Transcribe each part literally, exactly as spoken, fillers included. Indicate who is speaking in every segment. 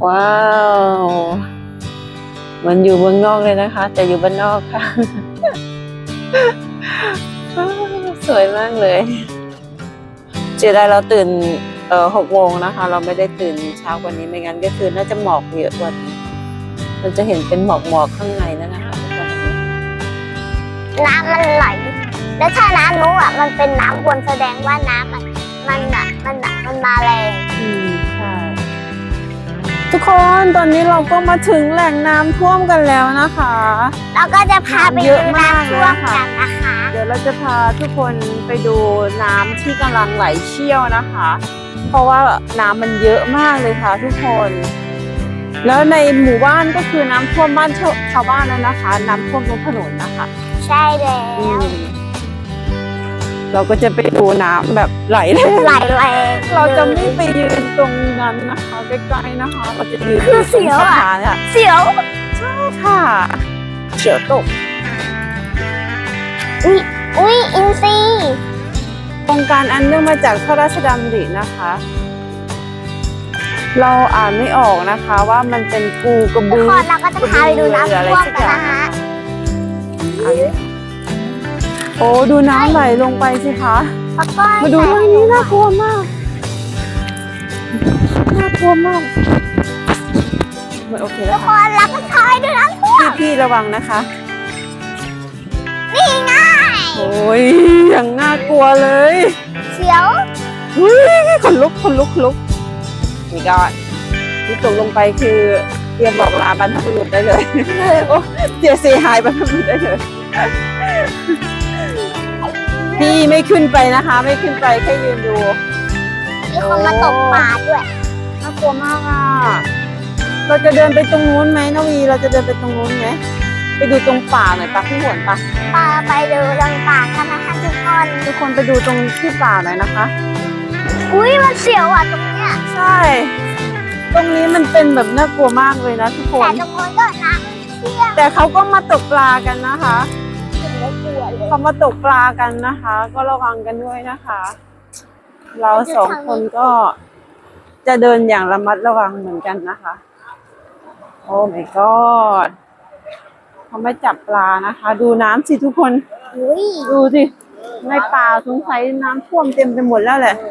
Speaker 1: ว้าวเหมือนอยู่เมืองนอกเลยนะคะ แต่อยู่บ้านนอกค่ะ สวยมากเลยเจไดเราตื่นเอ่อหกโมงนะคะ เราไม่ได้ตื่นเช้ากว่านี้ไม่งั้นก็คือน่าจะหมอกเยอะกว่านี้เราจะเห็นเป็นหมอกหมอกข้างในแล้วนะคะทุกคน
Speaker 2: น้ำมันไหลแล้วถ้าน้ำนู้นอ่ะมันเป็นน้ำวนแสดงว่าน้ำมันมันอ่ะมันอ่ะมันมาแรง
Speaker 1: อืมใช่ทุกคนตอนนี้เราก็มาถึงแหล่งน้ำท่วมกันแล้วนะคะ
Speaker 2: เราก็จะพาไปดูน้ำท่วมกันนะคะ
Speaker 1: เดี๋ยวเราจะพาทุกคนไปดูน้ำที่กำลังไหลเชี่ยวนะคะ เพราะว่าน้ำมันเยอะมากเลยค่ะทุกคนแล้วในหมู่บ้านก็คือน้ำท่วมบ้านชาวบ้านแล้วนะคะน้ำท่วมบนถนนนะคะ
Speaker 2: ใช่แล้ว
Speaker 1: เราก็จะไปดูน้ำแบบไหลแรง
Speaker 2: ไหลแรง
Speaker 1: เราจะไม่ไปยืนตรงนั้นนะคะใกล้ๆนะคะเราจะยืนตรงสะพานค่ะ
Speaker 2: เสียว
Speaker 1: ใช่ค่ะเสียวตก
Speaker 2: อุ้ยอุ้ยอินซี
Speaker 1: โครงการอันเนื่องมาจากพระราชดำรินะคะ เราอ่านไม่ออกนะคะว่ามันเป็นกูกระบือ
Speaker 2: เราก็จะพาไปดูน้ำท่วมกันนะคะ
Speaker 1: โอ้ดูน้ำไหลลงไปสิคะมาดูทางนี้น่ากลัวมากน่ากลัวมากมันโอเคแล้ว
Speaker 2: ค่ะทุกคนเราก็พาไปดูน้ำท่วม
Speaker 1: พี่ระวังนะคะ
Speaker 2: นี่ไง
Speaker 1: โอ้ยอย่างน่ากลัวเลย
Speaker 2: เสียว
Speaker 1: อุ้ยขนลุกขนลุกขนลุกนี่ก็ที่ตกลงไปคือเตรียมบอกลาบรรพบุรุษได้เลยโอ้เสียเสียหายบรรพบุรุษได้เลยพี่ไม่ขึ้นไปนะคะไม่ขึ้นไปแค่ยืนดู
Speaker 2: มีคนมาตกปลาด้วย
Speaker 1: น่ากลัวมากอ่ะเราจะเดินไปตรงนู้นไหมนวีเราจะเดินไปตรงนู้นไหมไปดูตรงป่าหน่อยปะพี่หวนปะ
Speaker 2: ปาไปดูตรงป่ากันนะคะทุกคน
Speaker 1: ทุกคนไปดูตรงที่ป่าหน่อยนะคะ
Speaker 2: อุ้ยมันเสียวอ่ะตรงเนี้ย
Speaker 1: ใช่ตรงนี้มันเป็นแบบน่ากลัวมากเลยนะทุกคน
Speaker 2: แต่ตรงนู้นก็น้ำเชี่ยว
Speaker 1: แต่เขาก็มาตกปลากันนะคะเขามาตกปลากันนะคะ ก็ระวังกันด้วยนะคะ เราสองคนก็จะเดินอย่างระมัดระวังเหมือนกันนะคะโอ้ my god เขาไม่จับปลานะคะ ดูน้ำสิทุกคนดูสิในป่าสงสัยน้ำท่วมเต็มไปหมดแล้วแหละ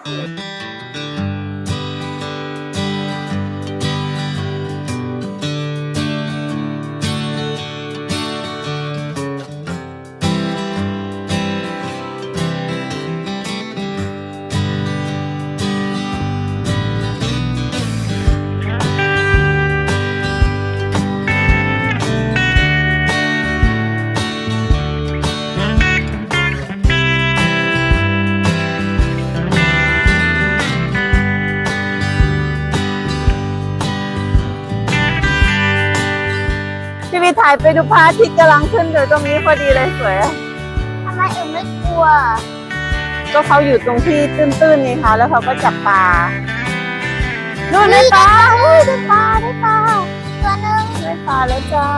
Speaker 1: พี่ถ่ายไปดูพระอาทิตย์กำลังขึ้นอยู่ตรงนี้พอดีเลยสวย
Speaker 2: ทำไมอึ่งไม่กลัว
Speaker 1: ก็เขาอยู่ตรงที่ตื้นๆนี่ค่ะแล้วเขาก็จับปลาดูได้ปลาอุ้ยได้ปลาได้ปลา
Speaker 2: ตัวนึง
Speaker 1: ได้ปลาแล้วจ้า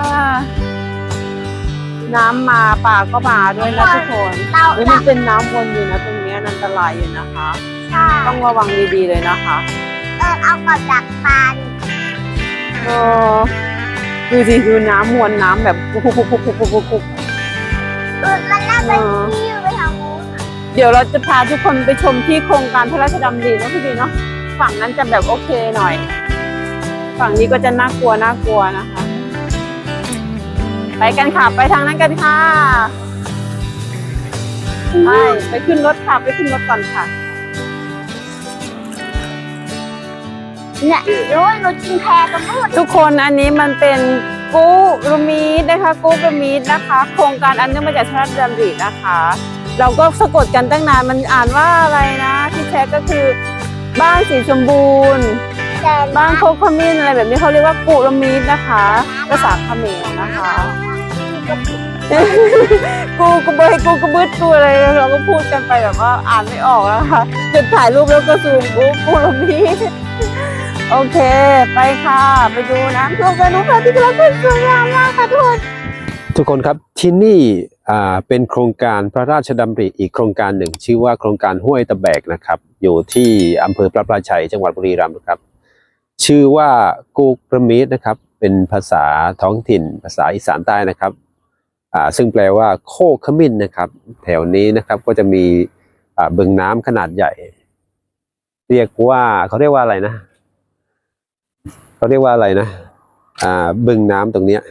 Speaker 1: น้ำมาปลาก็มาด้วยนะทุกคนแล้วมันเป็นน้ำวนอยู่นะตรงนี้อันตรายอยู่นะคะต้องระวังดีๆเลยนะคะ
Speaker 2: เออเอากลับจากปลา
Speaker 1: เออดูสิดูน้ำมวลน้ำแบบปุ๊บปุ๊บปุ๊บปุ๊บปุ๊บปุ๊บ
Speaker 2: มันน่าจะที่ไปทางนู้น
Speaker 1: เดี๋ยวเราจะพาทุกคนไปชมที่โครงการพระราชดำรินะพี่ดีเนาะฝั่งนั้นจะแบบโอเคหน่อยฝั่งนี้ก็จะน่ากลัวน่ากลัวนะคะไปกันค่ะไปทางนั้นกันค่ะไปไปขึ้นรถค่ะไปขึ้นรถก่อนค่ะ
Speaker 2: เนี่ยรู้รู้จริงแพรกันหมด
Speaker 1: ทุกคนอันนี้มันเป็นกูรูมีดนะคะกูรูมีดนะคะโครงการอันเนื่องมาจากพระราชดำรินะคะเราก็สะกดกันตั้งนานมันอ่านว่าอะไรนะที่แท้ก็คือบ้านสีชมบูรณ์บ้านโคกขมิ้นอะไรแบบนี้เขาเรียกว่ากูรูมีดนะคะภาษาเขมรนะคะกูกูเบยกูกูบึ้ดกูอะไรเราก็พูดกันไปแบบว่าอ่านไม่ออกนะคะจุดถ่ายรูปแล้วก็ซูมกูกูรูมีดโอเคไปค่ะไปดูน้ำท่วมกันนุ๊กค่ะที่กำลังเป็นสวยงามมากค่ะทุกคน
Speaker 3: ทุกคนครับที่นี่อ่าเป็นโครงการพระราชดำริอีกโครงการหนึ่งชื่อว่าโครงการห้วยตะแบกนะครับอยู่ที่อำเภอพระปราชัยจังหวัดบุรีรัมย์ครับชื่อว่ากูกระมีดนะครับเป็นภาษาท้องถิ่นภาษาอีสานใต้นะครับอ่าซึ่งแปลว่าโคกขมิ้นนะครับแถวนี้นะครับก็จะมีอ่าบึงน้ำขนาดใหญ่ เรียกว่าเขาเรียกว่าอะไรนะเขาเรียกว่าอะไรนะอ่าบึงน้ำตรงเนี้ย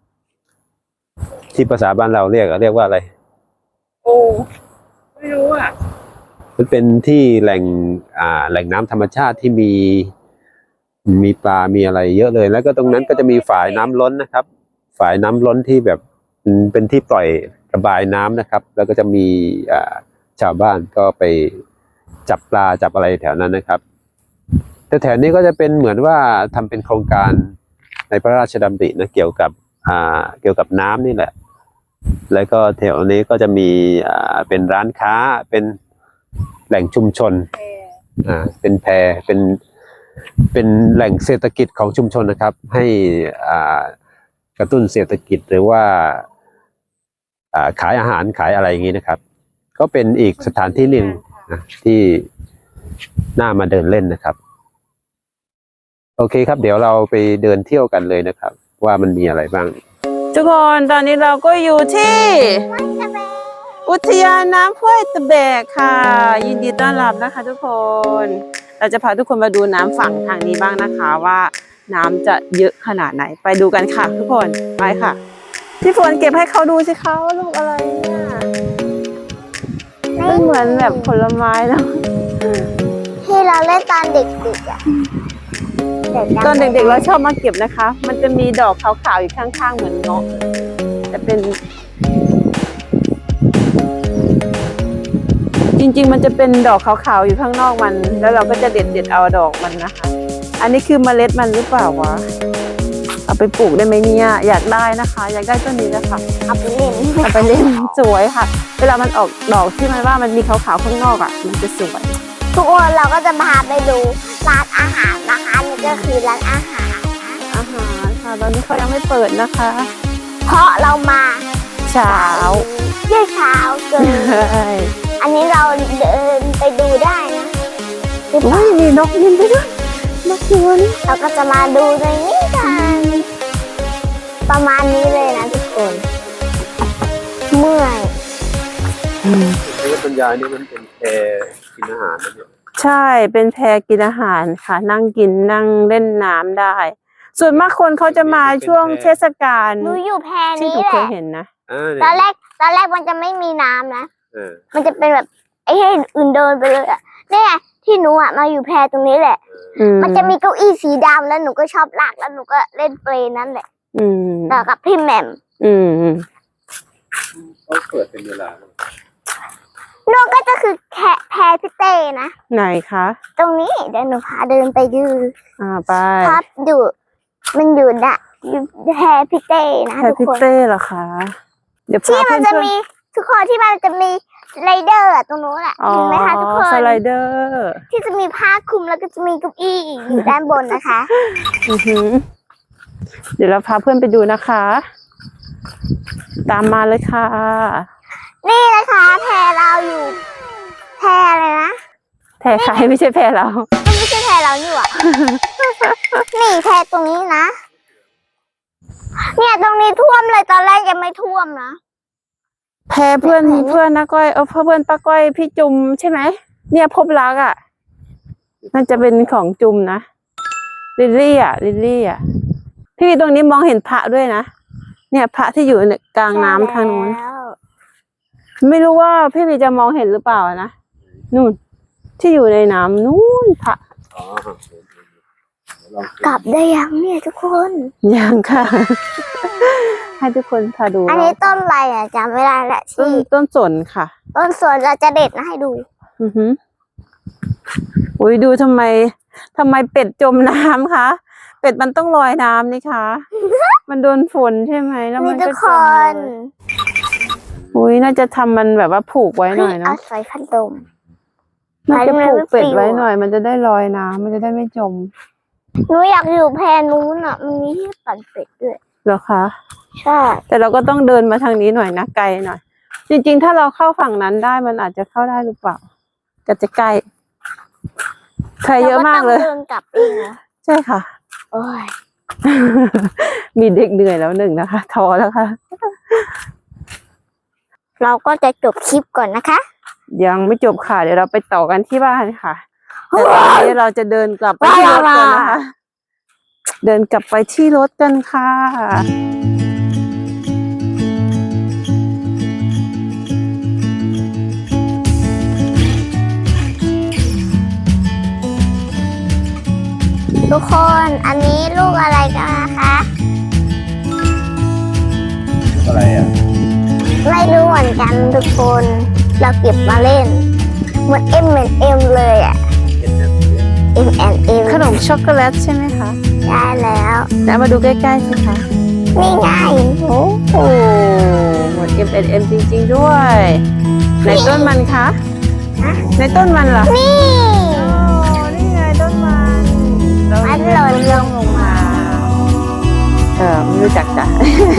Speaker 3: ที่ภาษาบ้านเราเรียกอะเรียกว่าอะไร
Speaker 1: โอ้ไม่รู้อ่ะ
Speaker 3: มันเป็นที่แหล่งอ่าแหล่งน้ำธรรมชาติที่มีมีปลา มีอะไรเยอะเลย แล้วก็ตรงนั้นก็จะมีฝายน้ำล้นนะครับ ฝายน้ำล้นที่แบบเป็นที่ปล่อยระบายน้ำนะครับ แล้วก็จะมีอ่าชาวบ้านก็ไปจับปลาจับอะไรแถวนั้นนะครับแต่แถวนี้ก็จะเป็นเหมือนว่าทำเป็นโครงการในพระราชดำรินะเกี่ยวกับอ่าเกี่ยวกับน้ำนี่แหละ แล้วก็แถวนี้ก็จะมีอ่าเป็นร้านค้าเป็นแหล่งชุมชนอ่าเป็นแพเป็นเป็นแหล่งเศรษฐกิจของชุมชนนะครับ ให้อ่ากระตุ้นเศรษฐกิจหรือว่าอ่าขายอาหารขายอะไรอย่างนี้นะครับ ก็เป็นอีกสถานที่หนึ่งนะที่น่ามาเดินเล่นนะครับ โอเคครับ เดี๋ยวเราไปเดินเที่ยวกันเลยนะครับ ว่ามันมีอะไรบ้าง
Speaker 1: ทุกคนตอนนี้เราก็อยู่ที่ อุทยานน้ำห้วยตะแบกค่ะ ยินดีต้อนรับนะคะ ทุกคน เราจะพาทุกคนมาดูน้ำฝั่งทางนี้บ้างนะคะว่าน้ำจะเยอะขนาดไหนไปดูกันค่ะ ทุกคนไปค่ะพี่ฝนเก็บให้เขาดูสิคะว่าลูกอะไรเนี่ยมันเหมือนแบบผลไม้เนาะ
Speaker 2: ที่เราเล่นตอนเด็กๆอ่ะ
Speaker 1: ตอนเด็กๆเราชอบมาเก็บนะคะ มันจะมีดอกขาวๆอยู่ข้างๆเหมือนเงาะแต่เป็น จริงๆมันจะเป็นดอกขาวๆอยู่ข้างนอกมัน แล้วเราก็จะเด็ดเด็ดเอาดอกมันนะคะ อันนี้คือเมล็ดมันหรือเปล่าวะเอาไปปลูกได้ไหมเนี่ยอยากได้นะคะ อยากได้ต้นนี้นะคะ
Speaker 2: เอาไปเล่น
Speaker 1: เอาไปเล่นสวยค่ะ เวลามันออกดอกที่มันว่ามันมีขาวๆข้างนอกอ่ะมันจะสวย
Speaker 2: ทุกคนเราก็จะพาไปดูร้านอาหารนะคะนี่ก็คือร้านอาหาร
Speaker 1: อาหารค่ะตอนนี้เขายังไม่เปิดนะคะ
Speaker 2: เพราะเรามา
Speaker 1: เช้า
Speaker 2: เยี่ยเช้าเกิน
Speaker 1: ใช่
Speaker 2: อันนี้เราเดินไปดูได้นะหรือเป
Speaker 1: โอ้
Speaker 2: ล่าย
Speaker 1: มีนกยินไปด้วยนกตัวนี้
Speaker 2: เราก็จะมาดูในนี้กันประมาณนี้เลยนะทุกคน เมื่อย
Speaker 3: นี่ก็เป็นยายนี่มันเป็นแพกินอาหารนะเนี่ย
Speaker 1: ใช่เป็นแพกินอาหารค่ะ นั่งกินนั่งเล่นน้ำได้ ส่วนมากคนเขาจะมาช่วงเทศกาล
Speaker 2: หนูอยู่แพ
Speaker 1: ที่
Speaker 2: นี้
Speaker 1: หนู
Speaker 2: แห
Speaker 1: เค
Speaker 2: ละ
Speaker 1: ยเห็นนะ
Speaker 3: อ่า
Speaker 2: ตอน
Speaker 3: เนี่ย
Speaker 2: แรกตอนแรกมันจะไม่มีน้ำนะ
Speaker 3: เออ
Speaker 2: มันจะเป็นแบบไอ้ให้อื่นเดินไปเลยอ่ะเนี่ยที่หนูอ่ะมาอยู่แพตรงนี้แหละ
Speaker 1: อื
Speaker 2: มันจะมีเก้าอี้สีดำแล้วหนูก็ชอบลากแล้วหนูก็เล่นเปลนั่นแหละ
Speaker 1: อืม
Speaker 2: ต่อกับพี่แหม่ม
Speaker 1: อืมอืม
Speaker 3: เขาเปิดเป็นเวลา
Speaker 2: หนูก็จะคือแค่แพพี่เต้นะ
Speaker 1: ไหนคะ
Speaker 2: ตรงนี้เดี๋ยวหนูพาเดินไปดู
Speaker 1: อ่าไป
Speaker 2: ครับอยู่มันอยู่น่ะอยู่แพพี่เต้นะ
Speaker 1: แพ
Speaker 2: ทุก
Speaker 1: พิ
Speaker 2: คน
Speaker 1: เต้เหรอคะ เดี๋ยว
Speaker 2: ที่
Speaker 1: พา
Speaker 2: มัน
Speaker 1: เพื่
Speaker 2: จะ
Speaker 1: อน
Speaker 2: มีทุกคนที่มันจะมีสไลเดอร์อะตรงนู้นอะ
Speaker 1: ๆอ๋อ
Speaker 2: เห็นไหมคะทุกคน
Speaker 1: สไลเดอร์
Speaker 2: ที่จะมีผ้าคลุมแล้วก็จะมีเก้าอี้อยู่ด้านบนนะคะ
Speaker 1: อือหือเดี๋ยวเราพาเพื่อนไปดูนะคะ ตามมาเลยค่ะ
Speaker 2: นี่นะคะแพเราอยู่แพอะไรนะ
Speaker 1: แพใครไม่ใช่แพเรา
Speaker 2: มันไม่ใช่แพเรานี่หว่า นี่แพตรงนี้นะ เนี่ยตรงนี้ท่วมเลยตอนแรกยังไม่ท่วมนะ
Speaker 1: แพเพื่อนเพื่อนนะก้อยเออเพื่อนป้าก้อยพี่จุมใช่ไหมเนี่ยพบรักอ่ะน่าจะเป็นของจุมนะลิลลี่อ่ะลิลลี่อ่ะพี่ตรงนี้มองเห็นพระด้วยนะเนี่ยพระที่อยู่ในกลางน้ำทางนู้น
Speaker 2: ใช่แล้ว
Speaker 1: ไม่รู้ว่าพี่วีจะมองเห็นหรือเปล่านะนู่นที่อยู่ในน้ำนู่นพระ
Speaker 3: อ๋อ
Speaker 2: กลับได้ยังเนี่ยทุกคน
Speaker 1: ยังค่ะ ให้ทุกคนพาดู
Speaker 2: อันนี้ต้นอะไรอ่ะจำไม่ได้แหละ
Speaker 1: ต้น
Speaker 2: ที่
Speaker 1: ต้นสนค่ะ
Speaker 2: ต้นสวนเราจะเด็ดมาให้ดู
Speaker 1: อือหืออุ้ยดูทำไมทำไมเป็ดจมน้ำคะเป็ดมันต้องลอยน้ำนี่คะ มันโดนฝนใช่ไหมแล้วมั
Speaker 2: นี่
Speaker 1: น
Speaker 2: ทุ
Speaker 1: ก็
Speaker 2: ก
Speaker 1: จ
Speaker 2: ค
Speaker 1: ม
Speaker 2: น
Speaker 1: เลยอุ้ยน่าจะทำมันแบบว่าผูกไว้หน่อย
Speaker 2: เอา
Speaker 1: เนาะ
Speaker 2: ใส่พัดลม
Speaker 1: น่าจะผูกเป็ดไว้
Speaker 2: ไม่ปลิวอะ
Speaker 1: หน่อย มันจะได้ลอยน้ำมันจะได้ไม่จม
Speaker 2: หนูอยากอยู่แพนู้นอ่ะ มันมีที่ปั่นเป็ดด้วย
Speaker 1: เหรอคะ
Speaker 2: ใช่
Speaker 1: แต่เราก็ต้องเดินมาทางนี้หน่อยนะไกลหน่อย จริงๆ ถ้าเราเข้าฝั่งนั้นได้มันอาจจะเข้าได้หรือเปล่าก็จะใกล้ใครเยอะมากเลย
Speaker 2: รก็ต้องเดินกลับเองนะ
Speaker 1: ใช่ค่ะ
Speaker 2: โอ้ย
Speaker 1: มีเด็กเหนื่อยแล้วหนึ่งนะคะท้อแล้วค่ะ
Speaker 2: เราก็จะจบคลิปก่อนนะคะ
Speaker 1: ยังไม่จบค่ะ เดี๋ยวเราไปต่อกันที่บ้านค่ะแต่ตอนนี้เราจะเดินกลับไปที่รถกันนะคะ เดินกลับไปที่รถกันค่ะ
Speaker 2: ทุกคนอันนี้ลูกอะไรกันนะคะ
Speaker 3: อะไรอ่ะ
Speaker 2: ไม่รู้เหมือนกันทุกคน เราเก็บมาเล่นเหมือน เอ็ม เหมือน เอ็ม เลยอ่ะ เอ็ม แอนด์ เอ็ม
Speaker 1: ขนมช็อกโกแลตใช่ไหมคะ
Speaker 2: ได้แล้ว
Speaker 1: แล้วมาดูใกล้ๆสิคะ
Speaker 2: นี่ไง
Speaker 1: โอ้โหเหมือน เอ็ม แอนด์ เอ็ม จริงๆด้วย ในต้นมันคะ ในต้นมันเหรอ
Speaker 2: นี่
Speaker 1: โอ้นี่ไงต้นมันเรา
Speaker 2: มันหล่นลง
Speaker 1: ลงมา เออไม่รู้จักจ้ะ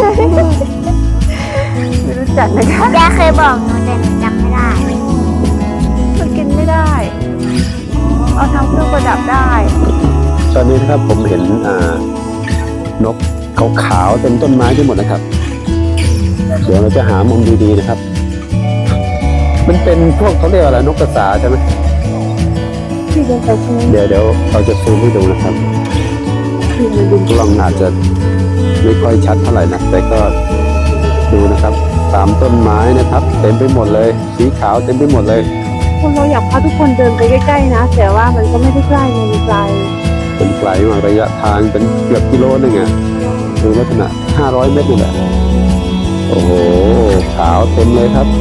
Speaker 1: ไม่รู้จักนะคะ
Speaker 2: ยายเคยบอกหนูแต่หนูจำไม่ได้
Speaker 1: มันกินไม่ได้ เอาทำเครื่องประดับได้
Speaker 3: ตอนนี้นะครับผมเห็นอ่านกขาวๆเต็มต้นไม้ไปหมดนะครับ เดี๋ยวเราจะหามุมดีๆนะครับ มันเป็นพวกเขาเรียกอะไรนกกระสาใช่ไหม
Speaker 1: ที่เดินไปใช่ไหม
Speaker 3: เดี๋ยวเดี๋ยวเราจะซูมให้ดูนะครับ
Speaker 1: ที่มันดู
Speaker 3: กล้องอาจจะไม่ค่อยชัดเท่าไหร่นะแต่ก็ดูนะครับ ตามต้นไม้นะครับ เต็มไปหมดเลย สีขาวเต็มไปหมดเลย
Speaker 1: คนเราอยากพาทุกคนเดินไปใกล้ๆนะ แต่ว่ามันก็ไม่ได้ใกล้ไงมันไกล
Speaker 3: เป็นไกลมากระยะทางเป็นเกือบกิโลหนึงอ่ะดูลักษณะห้าร้อยเมตรนี่แหละ โอ้โห ขาวเต็มเลยครับ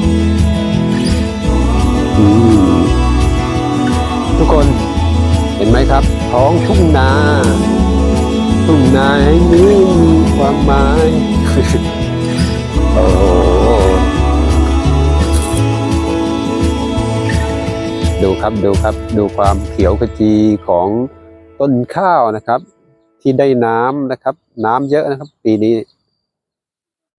Speaker 3: อืมทุกคนเห็นไหมครับ ท้องทุ่งนา ทุ่งนาแห่งนี้มีความหมาย โอ้โหดูครับดูครับ ดูความเขียวขจีของต้นข้าวนะครับ ที่ได้น้ำนะครับ น้ำเยอะนะครับ ปีนี้